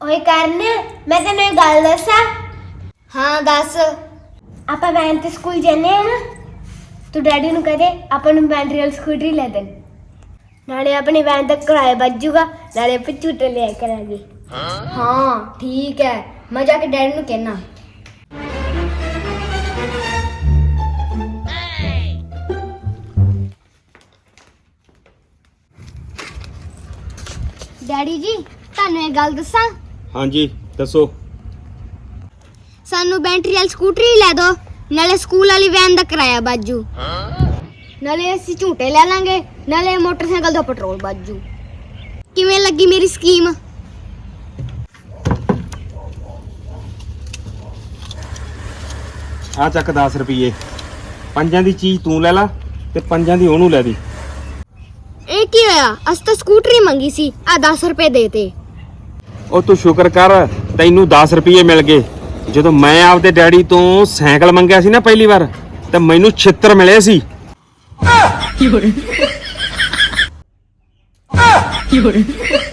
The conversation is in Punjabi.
ਓਏ ਕਰਨ ਮੈਂ ਤੈਨੂੰ ਇੱਕ ਗੱਲ ਦੱਸਾਂ। ਹਾਂ ਦੱਸ। ਆਪਾਂ ਵੈਨ ਤੇ ਸਕੂਲ ਜਾਂਦੇ ਆ ਨਾ, ਤੂੰ ਡੈਡੀ ਨੂੰ ਕਹਦੇ ਆਪਾਂ ਨੂੰ ਬੈਟਰੀ ਵਾਲੀ ਸਕੂਟਰੀ ਲੈ ਦੇਣ, ਨਾਲੇ ਆਪਣੀ ਵੈਨ ਦਾ ਕਿਰਾਇਆ ਬਚ ਜੂਗਾ, ਨਾਲੇ ਆਪਾਂ ਝੂਟੇ ਲਿਆ ਕਰਾਂਗੇ। ਹਾਂ ਠੀਕ ਹੈ, ਮੈਂ ਜਾ ਕੇ ਡੈਡੀ ਨੂੰ ਕਹਿਣਾ। ਡੈਡੀ ਜੀ ਤੁਹਾਨੂੰ ਇਹ ਗੱਲ ਦੱਸਾਂ। ਹਾਂਜੀ ਦੱਸੋ। ਸਾਨੂੰ ਬੈਟਰੀ ਵਾਲੀ ਸਕੂਟਰੀ ਲੈ ਦਿਓ, ਨਾਲੇ ਸਕੂਲ ਵਾਲੀ ਵੈਨ ਦਾ ਕਿਰਾਇਆ ਬਾਜੂ, ਨਾਲੇ ਅਸੀਂ ਝੂਟੇ ਲੈ ਲਾਂਗੇ, ਨਾਲੇ ਮੋਟਰਸਾਈਕਲ ਦਾ ਪੈਟਰੋਲ ਬਾਜੂ। ਕਿਵੇਂ ਲੱਗੀ ਮੇਰੀ ਸਕੀਮ? ਆ ਚੱਕ 10 ਰੁਪਏ, ਪੰਜਾਂ ਦੀ ਚੀਜ਼ ਤੂੰ ਲੈ ਲਾ ਤੇ ਪੰਜਾਂ ਦੀ ਉਹਨੂੰ ਲੈ ਦੇ। ਇਹ ਕੀ ਹੋਇਆ? ਅਸੀਂ ਤਾਂ ਸਕੂਟਰੀ ਮੰਗੀ ਸੀ, ਆ 10 ਰੁਪਏ ਦੇਤੇ। ਉਹ ਤੂੰ ਸ਼ੁਕਰ ਕਰ ਤੈਨੂੰ 10 ਰੁਪਏ ਮਿਲ ਗਏ। ਜਦੋਂ ਮੈਂ ਆਪਦੇ ਡੈਡੀ ਤੋਂ ਸਾਈਕਲ ਮੰਗਿਆ ਸੀ ਨਾ ਪਹਿਲੀ ਵਾਰ, ਤੇ ਮੈਨੂੰ 76 ਮਿਲੇ ਸੀ। ਕੀ ਹੋ ਰਿਹਾ?